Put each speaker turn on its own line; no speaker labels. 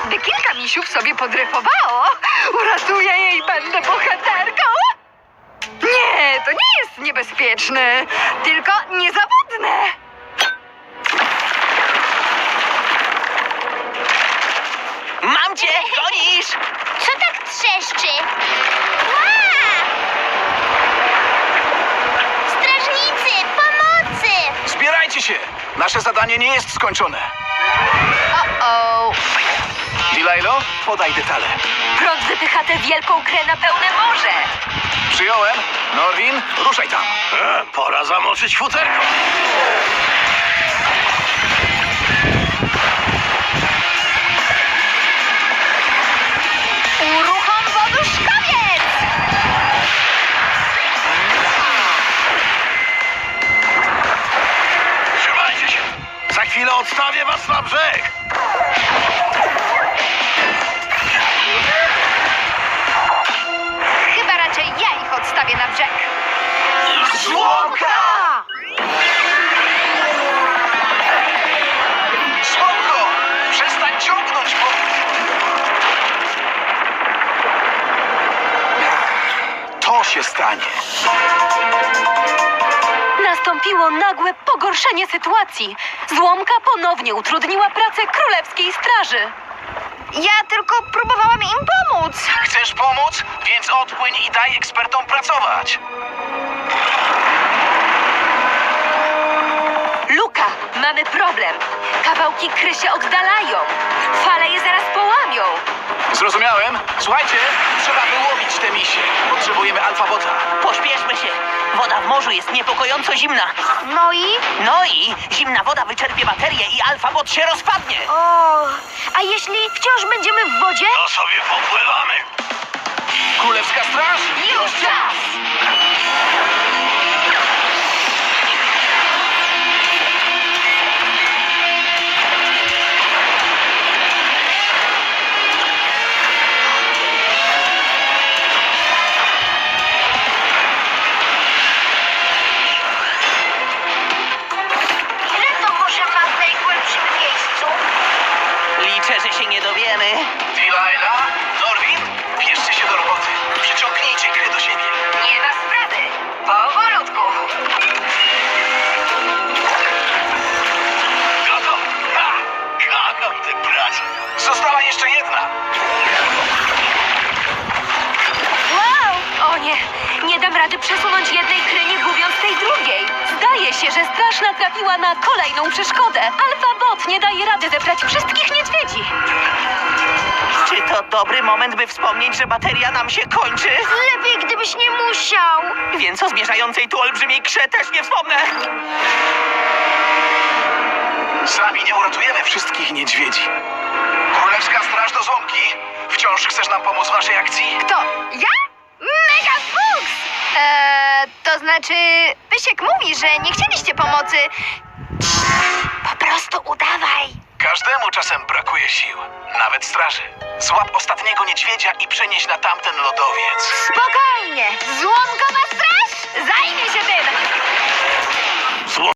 Gdy kilka misiów sobie podryfowało, uratuję je i będę bohaterką. Nie, to nie jest niebezpieczne, tylko niezawodne.
Mam cię! Gonisz!
Co tak trzeszczy? Ła! Strażnicy, pomocy!
Zbierajcie się! Nasze zadanie nie jest skończone.
O,
Dilajlo, podaj detale.
prąd wypycha tę wielką krę na pełne morze.
Przyjąłem. Norwin, ruszaj tam.
Pora zamoczyć futerko.
Uruchom woduszkowiec!
Trzymajcie się. Za chwilę odstawię was na brzeg.
Chyba raczej ja ich odstawię na brzeg.
Złomka!
Słonko! Przestań ciągnąć, bo... To się stanie.
Nastąpiło nagłe pogorszenie sytuacji. Złomka ponownie utrudniła pracę Królewskiej Straży. Ja tylko próbowałam im pomóc.
Chcesz pomóc? Więc odpłyń i daj ekspertom pracować.
Luka, mamy problem. Kawałki kry się oddalają. Fale je zaraz połamią.
Zrozumiałem. Słuchajcie, trzeba wyłowić te misie. Potrzebujemy alfabota.
Pośpieszmy się! Woda w morzu jest niepokojąco zimna.
No
I zimna woda wyczerpie baterię i alfabot się rozpadnie.
O, a jeśli wciąż będziemy w wodzie?
To sobie popływamy.
Królewska Straż?
Już czas!
Ile to może ma w najgłębszym miejscu?
Liczę, że się nie dowiemy.
Delilah, Norwin, bierzcie się do roboty. Przyciągnijcie grę do siebie.
Nie ma sprawy. Powolutku.
Gotów? Ha! Kocham tę pracę.
Została jeszcze jedna.
Wow! O nie, nie dam rady przesunąć jednej kry, nie gubiąc tej drugiej. Zdaje się, że straż natrafiła na kolejną przeszkodę. Alfabot nie daje rady zebrać wszystkich niedźwiedzi.
Czy to dobry moment, by wspomnieć, że bateria nam się kończy?
Lepiej, gdybyś nie musiał.
Więc o zmierzającej tu olbrzymiej krze też nie wspomnę.
Sami nie uratujemy wszystkich niedźwiedzi. Królewska Straż do Złomki. Wciąż chcesz nam pomóc w naszej akcji?
Kto? Ja? Mega Fuchs! To znaczy, Pysiek mówi, że nie chcieliście pomocy. Po prostu udawaj.
Każdemu czasem brakuje sił. Nawet straży. Złap ostatniego niedźwiedzia i przenieś na tamten lodowiec.
Spokojnie, złomkowa straż zajmie się tym.